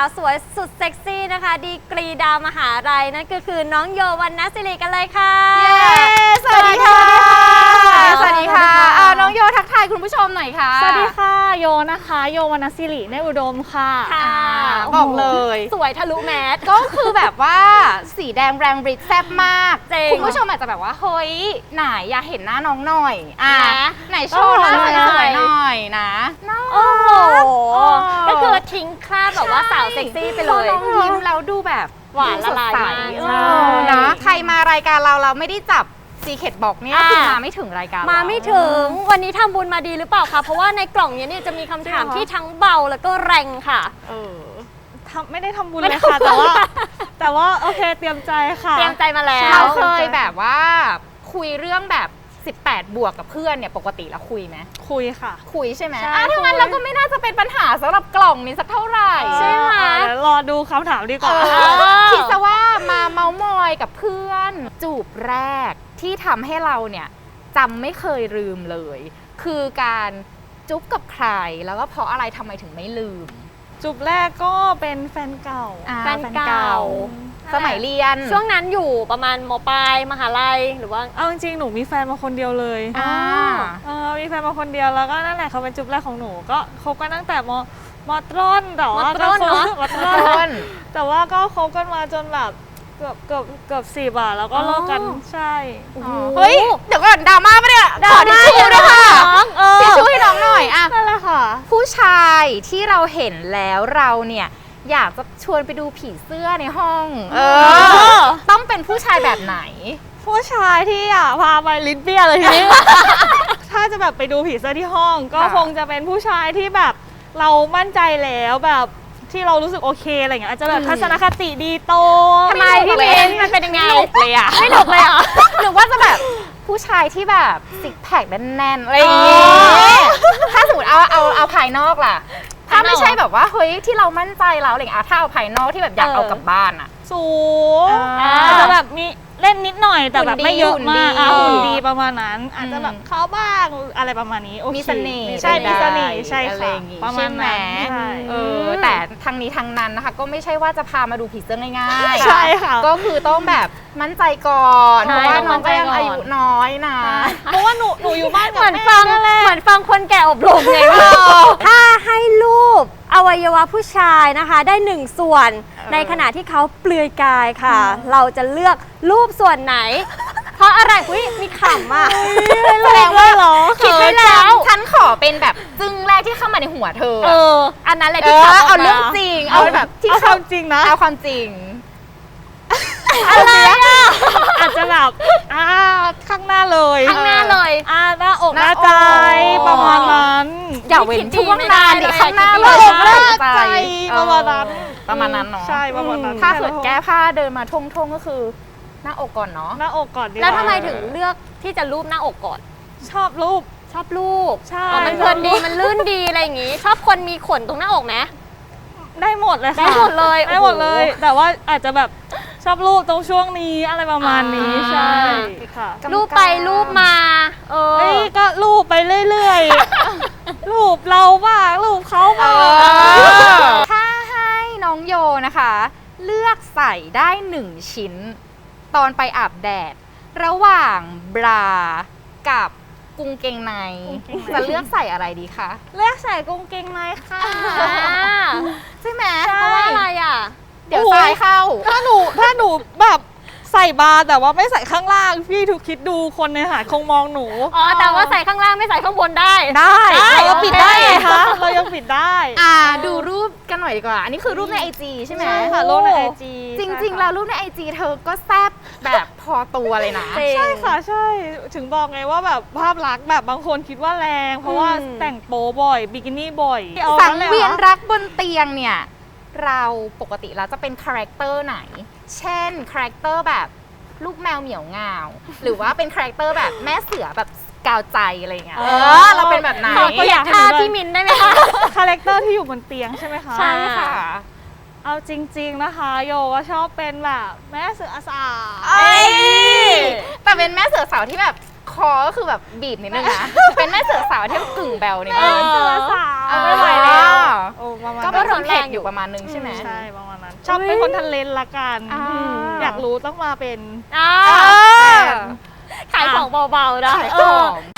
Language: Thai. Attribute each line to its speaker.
Speaker 1: าวสวยสุดเซ็กซี่นะคะดีกรีดาวมหาลัยนั่นก็คือน้องโยวรรณศิริกันเลยค่ะ
Speaker 2: สวัสดีค่ะสวัสดีค่ะน้องโยทักทายคุณผู้ชมหน่อยค่ะ
Speaker 3: สวัสดีค่ะโยนะคะโยวรรณศิริเนตรอุดมค่ะ
Speaker 2: บอกเลย
Speaker 1: สวยทะลุแมส
Speaker 2: ก็คือแบบว่าสีแดงแรงบริดแซ่บมากคุณผู้ชมอาจจะแบบว่าเฮ้ยไหนอยากเห็นหน้าน้องหน่อยไหนโชว์หน้าสวยๆหน่อยนะ
Speaker 1: โอ้โหก็คือทิ้งคราบแบบว่าสาวเซ็กซี่ไปเลย
Speaker 2: น้องยิ้มแล้วดูแบบ
Speaker 1: หวานละลายมาก
Speaker 2: นะใครมารายการเราไม่ได้จับซีเคทบอกเนี่ยคือมาไม่ถึงรายการ
Speaker 1: มาไม่ถึงวันนี้ทำบุญมาดีหรือเปล่าคะเพราะว่าในกล่องนี้เนี่ยจะมีคำถามที่ทั้งเบาแล้วก็แรงค่ะ
Speaker 3: ไม่ได้ทำบุญเลยค่ะแต่ว่าโอเคเตรียมใจค่ะ
Speaker 1: เตรียมใจมาแล้ว
Speaker 2: เราเคยแบบว่าคุยเรื่องแบบ18 บวกกับเพื่อนเนี่ยปกติแล้วคุยไหม
Speaker 3: คุยค่ะ
Speaker 2: คุยใช่ไหมถ้างั้นเราก็ไม่น่าจะเป็นปัญหาสำหรับกล่องนี้สักเท่าไหร่
Speaker 1: ใช่ไหม
Speaker 3: รอดูคำถามดีกว่า
Speaker 2: คิดซะว่ามาเมาส์มอยกับเพื่อนจูบแรกที่ทำให้เราเนี่ยจำไม่เคยลืมเลยคือการจุ๊บกับใครแล้วก็เพราะอะไรทำไมถึงไม่ลืม
Speaker 3: จุบแรกก็เป็นแฟนเก่า
Speaker 1: แฟนเก่า
Speaker 2: สมัยเรียน
Speaker 1: ช่วงนั้นอยู่ประมาณม.ปลายมหาลัยหรือว่า
Speaker 3: เอาจริงๆหนูมีแฟนมาคนเดียวเลยมีแฟนมาคนเดียวแล้วก็นั่นแหละเขาเป็นจุบแรกของหนูก็คบกันตั้งแต่มต้นแต่ว่าก็มต้นแต่ว่าก็คบกันมาจนแบบเกือบ10อ่ะแล้วก็เลิกกันใช่
Speaker 2: เฮ้ยเดี๋ยวก่อนดราม่าปะเนี่ยขอทิชชู่ด้วยค่ะทิชชู่ให้น้องหน่อยอ่ะ
Speaker 3: นั่นแหละค่ะ
Speaker 2: ผู้ชายที่เราเห็นแล้วเราเนี่ยอยากจะชวนไปดูผีเสื้อในห้องต้องเป็นผู้ชายแบบไหน
Speaker 3: ผู้ชายที่พาไปลิ้นเปี้ยเลยทีนี้ถ้าจะแบบไปดูผีเสื้อที่ห้องก็คงจะเป็นผู้ชายที่แบบเรามั่นใจแล้วแบบที่เรารู้สึกโอเคอะไรอย่างเงี้ยอาจจะแบบทัศนคติดีโต
Speaker 1: ทำไมพี่เบนมันเป็นยังไง
Speaker 2: หลบเลยอ่ะ
Speaker 1: ไม่หลบเลยอ่ะ
Speaker 2: หรือว่าจะแบบผู้ชายที่แบบซิกแพคแน่นๆอะไรอย่างเงี้ยถ้าสมมติเอาภายนอกล่ะถ้าไม่ใช่แบบว่าเฮ้ยที่เรามั่นใจเราอะไรอย่างเงี้ยถ้าเอาภายนอกที่แบบอยากเอากลับบ้านอ่ะ
Speaker 3: สูงอาจจะแบบมีเล่นนิดหน่อยแต่แบบไม่เยอะมากหุ่นดีประมาณนั้นอาจจะแบบเข้าบ้างอะไรประมาณนี้
Speaker 2: มีเสน่ห์
Speaker 3: ใช่มีเสน่ห์ใช่ค่ะประมาณนั้น
Speaker 2: แต่ทางนี้ทางนั้นนะคะก็ไม่ใช่ว่าจะพามาดูผีเสื้อง่าย
Speaker 3: ๆใช่ค่ะ
Speaker 2: ก็คือต้องแบบมั่นใจก่อนเพราะว่าน้องก็ยังอายุน้อยนะ
Speaker 3: เพราะว่าหนูอยู่บ้าน
Speaker 1: เหมือนฟังคนแก่อบรมไงถ้าให้รูปอวัยวะผู้ชายนะคะได้1ส่วนในขณะที่เขาเปลือยกายค่ะเราจะเลือกรูปส่วนไหนเพราะอะไรมีขำอ่ะ
Speaker 2: แสดงว่า
Speaker 1: คิดไว้แล้ว
Speaker 2: ฉันขอเป็นแบบจึ้งแรกที่เข้ามาในหัวเธอ
Speaker 1: อันนั้นเลยที่
Speaker 2: เอาเรื่องจริงเอาแบบที่
Speaker 3: ความจริงนะ
Speaker 2: เอาความจริง
Speaker 1: อะไรอ่ะ
Speaker 3: อาจจะแบบข้างหน้าเลย
Speaker 1: ห
Speaker 3: น้าอกหน้าใจประมาณนั้น
Speaker 2: อย่าเว้นช่วงนานดิข้างหน้า
Speaker 3: เลยหน้าใจประมาณ
Speaker 2: นั้นเนาะ
Speaker 3: ใช่ประมาณนั้น
Speaker 2: ถ้าเกิดแก้ผ้าเดินมาท่งก็คือหน้าอกก่อนเนาะ
Speaker 3: หน้าอกก่อนดี
Speaker 1: แล้วทำไมถึงเลือกที่จะรูปหน้าอกก่อน
Speaker 3: ชอบรูป
Speaker 1: ใช่มันเพลินดีมันลื่นดีอะไรอย่างงี้ชอบคนมีขนตรงหน้าอกไหม
Speaker 3: ได้หมดเลยค่ะ
Speaker 1: ได้หมด
Speaker 3: เลยแต่ว่าอาจจะแบบชอบรูปตรงช่วงนี้อะไรประมาณนี้ใช่ค่ะ
Speaker 1: รูปไปรูปมา
Speaker 3: ก็รูปไปเรื่อยๆรูปเราบ้างรูปเขาบ้าง
Speaker 2: ถ้าให้น้องโยนะคะเลือกใส่ได้1ชิ้นตอนไปอาบแดดระหว่างบรากับกางเกงในจะเลือกใส่อะไรดีคะ
Speaker 3: เลือกใส่กางเกงในค่ะ
Speaker 2: ใช่ไหม
Speaker 1: เพราะว่าอะไรอ่ะ
Speaker 2: เดี๋ยวทรายเข้า
Speaker 3: ถ้าหนูแบบใส่บาร์แต่ว่าไม่ใส่ข้างล่างพี่ทุกคิดดูคนในหาดคงมองหนู
Speaker 1: แต่ว่าใส่ข้างล่างไม่ใส่ข้างบนได้
Speaker 3: เรายังปิดได้คะเรายังปิดได้
Speaker 2: ดูรูปกันหน่อยดีกว่าอันนี้คือรูปใน IG ใช่ไหม
Speaker 3: ค่ะรูปใน IG
Speaker 2: จริงๆแล้วรูปใน IG เธอก็แซ่บแบบพอตัวเลยนะ
Speaker 3: ใช่ค่ะใช่ถึงบอกไงว่าแบบภาพลักษณ์แบบบางคนคิดว่าแรงเพราะว่าแต่งโป๊บ่อยบิกินี่บ่อย
Speaker 2: สังเวียนรักบนเตียงเนี่ยเราปกติแล้วจะเป็นคาแรคเตอร์ไหนเช่นคาแรคเตอร์แบบลูกแมวเหมียวงาวหรือว่าเป็นคาแรคเตอร์แบบแม่เสือแบบกาวใจอะไรเงี้ยเราเป็นแบบไหน
Speaker 1: ก็อยากท่าพี่มินได้ไหมคะ
Speaker 3: คาแรคเตอร์ที่อยู่บนเตียงใช่ไหมคะ
Speaker 2: ใช่ค่ะ
Speaker 3: เอาจริงๆนะคะโยก็ชอบเป็นแบบแม่เสือสาว
Speaker 2: แต่เป็นแม่เสือสาวที่แบบคอก็คือแบบบีบนิดนึงนะ เป็นแม่เสือสาวที่กึ่งแบวนิดนึง
Speaker 1: เสือสาว
Speaker 3: ไม่ไหวแล้ว โอ้ประมาณ
Speaker 2: ก็
Speaker 3: นั้น
Speaker 2: เป็นคนเผ็ดอยู่ประมาณนึงใช่ไหม
Speaker 3: ใช่ประมาณนั้นชอบเป็นคนทะเลนละกัน
Speaker 2: อ่า
Speaker 3: อยากรู้ต้องมาเป็น
Speaker 1: อ่า
Speaker 2: เออ
Speaker 1: ขายของเบาๆได้
Speaker 2: หอม